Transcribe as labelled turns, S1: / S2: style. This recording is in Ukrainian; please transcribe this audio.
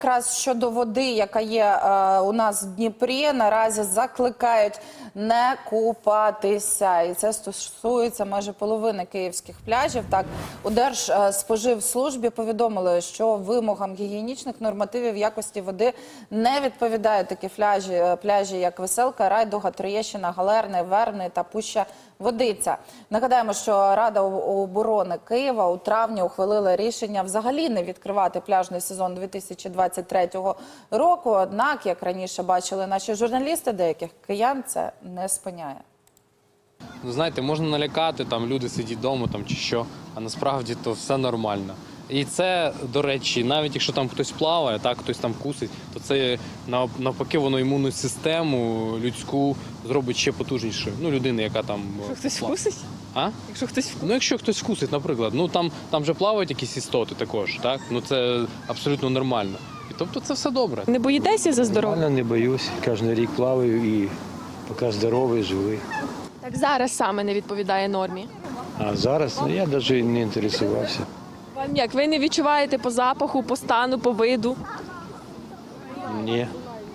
S1: Якраз щодо води, яка є у нас в Дніпрі, наразі закликають не купатися. І це стосується майже половини київських пляжів. Так, у Держспоживслужбі повідомили, що вимогам гігієнічних нормативів якості води не відповідають такі пляжі, як Веселка, Райдуга, Троєщина, Галерний, Вербний та Пуща Водиця. Нагадаємо, що Рада оборони Києва у травні ухвалила рішення взагалі не відкривати пляжний сезон 2023 року. Однак, як раніше бачили наші журналісти, деяких киян це не спиняє.
S2: Знаєте, можна налякати, там люди сидять вдома там, чи що, а насправді то все нормально. І це, до речі, навіть якщо там хтось плаває, так, хтось там кусить, то це навпаки воно імунну систему людську зробить ще потужнішою. Ну, людини, яка там...
S3: Якщо хтось вкусить?
S2: А?
S3: Якщо хтось вкусить?
S2: Ну, якщо хтось вкусить, наприклад, ну там же плавають якісь істоти також, так? Ну, це абсолютно нормально. І тобто це все добре.
S3: Не боїтеся за здоров'я?
S4: Нормально, не боюсь. Кожен рік плаваю і поки здоровий, живий.
S3: Так зараз саме не відповідає нормі.
S4: А зараз я навіть не інтересувався.
S3: Вам як? Ви не відчуваєте по запаху, по стану, по виду?
S4: Ні.